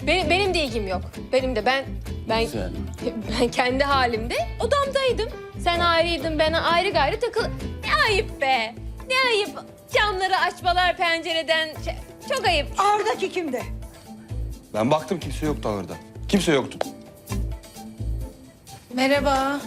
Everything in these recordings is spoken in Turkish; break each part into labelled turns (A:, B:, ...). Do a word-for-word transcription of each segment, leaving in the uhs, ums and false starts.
A: Benim, benim de ilgim yok. Benim de ben ben
B: Güzel.
A: ben kendi halimde odamdaydım. Sen ayrıydın, ben ayrı gayrı takıl. Ne ayıp be. Ne ayıp. Camları açmalar pencereden. Şey, çok ayıp.
C: Ağırdaki kimdi?
B: Ben baktım kimse yoktu orada. Kimse yoktu.
D: Merhaba.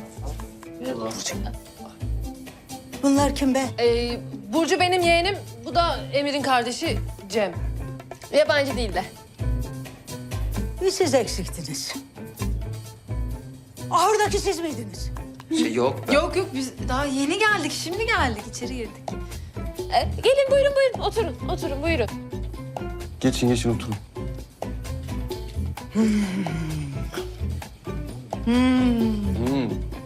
C: Bunlar kim be?
A: Ee, Burcu benim yeğenim. Bu da Emir'in kardeşi Cem. Yabancı değil de.
C: Bir siz eksiktiniz. Ağırdaki siz miydiniz?
E: Şey yok.
D: Yok yok biz daha yeni geldik. Şimdi geldik. İçeri girdik.
A: Ee, gelin buyurun buyurun. Oturun, oturun buyurun.
B: Geçin geçin oturun. Hmm.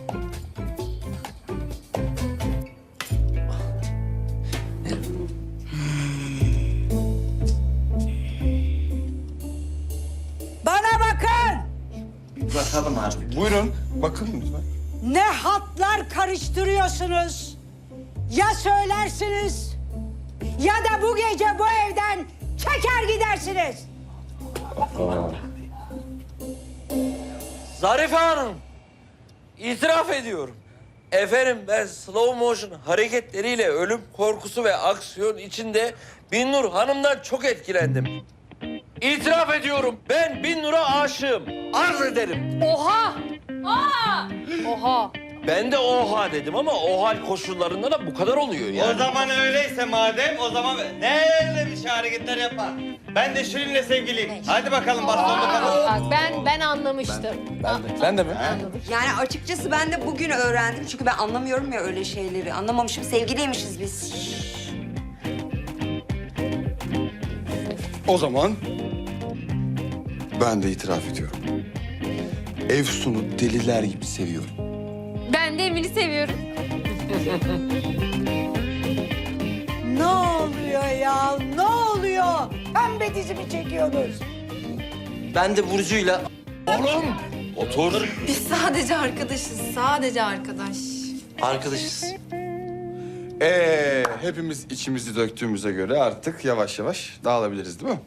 C: Bana bakın!
E: Bakalım artık.
B: Buyurun. Bakın lütfen.
C: Ne hatlar karıştırıyorsunuz? Ya söylersiniz ya da bu gece bu evden çeker gidersiniz.
F: Zarife Hanım, itiraf ediyorum. Efendim ben slow motion hareketleriyle ölüm korkusu ve aksiyon içinde Binnur Hanım'dan çok etkilendim. İtiraf ediyorum, ben Binnur'a aşığım. Arz ederim.
A: Oha! Aa! Oha!
F: Ben de oha dedim ama o hal koşullarında da bu kadar oluyor yani.
G: O zaman öyleyse madem, o zaman ne bir şey hareketler yapar. Ben de Şirin'le sevgiliyim. Hadi bakalım bastonla kalalım.
A: Bak ben ben anlamıştım.
B: Ben de. Sen de mi?
H: Yani açıkçası ben de bugün öğrendim. Çünkü ben anlamıyorum ya öyle şeyleri. Anlamamışım. Sevgiliymişiz biz.
B: O zaman ben de itiraf ediyorum. Efsun'u deliler gibi seviyorum.
A: Ben de Emir'i seviyorum.
C: Ne oluyor ya? Ne oluyor? Pembe dizimi çekiyorsunuz.
E: Ben de Burcu'yla
F: Oğlum, otur.
D: Biz sadece arkadaşız. Sadece arkadaş.
E: arkadaşız.
B: Ee, hepimiz içimizi döktüğümüze göre artık yavaş yavaş dağılabiliriz değil mi?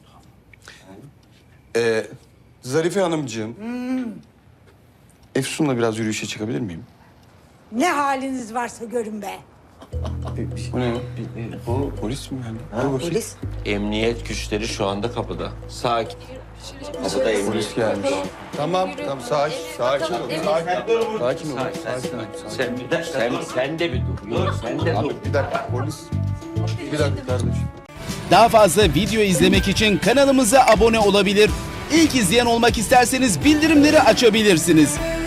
B: Ee, Zarife Hanımcığım. Efsun'la biraz yürüyüşe çıkabilir miyim?
C: Ne haliniz varsa görün be.
B: Bu ne? Bu polis mi yani? Dur bakayım.
H: Polis.
F: Emniyet güçleri şu anda kapıda. Sakin. Kapıda emniyet.
B: Polis gelmiş. Tamam, tamam. Sakin, sakin ol. Sakin ol. Sakin ol. Sakin ol.
F: Sen, sen, sen de bir dur. Yok, sen de dur.
B: Abi bir dakika polis. Bir dakika kardeşim.
I: Daha fazla video izlemek için kanalımıza abone olabilir. İlk izleyen olmak isterseniz bildirimleri açabilirsiniz.